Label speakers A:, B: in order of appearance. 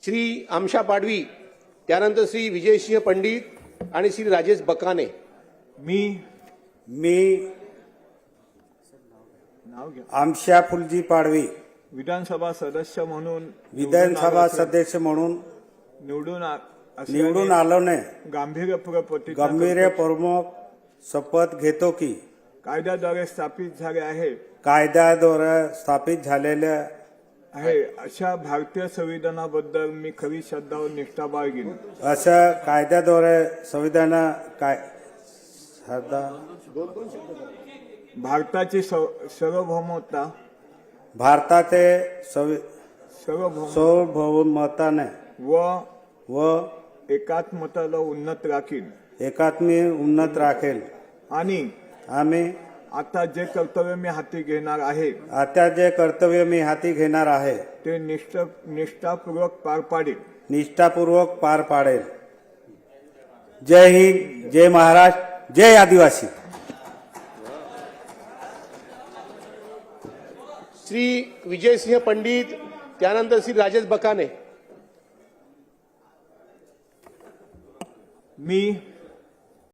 A: श्री आमशा पाडवी, त्यानंतर श्री विजयसिंह पंडित आणि श्री राजेश बकाने।
B: मी आमशा फुलजी पाडवी
C: विधानसभा सदस्य म्हणून
B: विधानसभा सदस्य म्हणून निवडून आलोने गंभीरपूर्वक शपथ घेतो की
C: कायद्याद्वारे स्थापित झाले आहे
B: कायद्याद्वारे स्थापित झालेल्या
C: आहे अशा भारतीय संविधानाबद्दल मी खरी श्रद्धा व निष्ठा बाळगीन।
B: असं कायद्याद्वारे संविधान
C: भारताची सार्वभौमता
B: भारताचे सार्वभौमताने व
C: एकात्मतेला उन्नत राखीन
B: उन्नत राखेल
C: आणि
B: आम्ही
C: आता जे कर्तव्य मी हाती घेणार आहे ते निष्ठापूर्वक पार पाडेल।
B: जय हिंद, जय महाराष्ट्र, जय आदिवासी।
A: श्री विजयसिंह पंडित, त्यानंतर श्री राजेश बकाने।
C: मी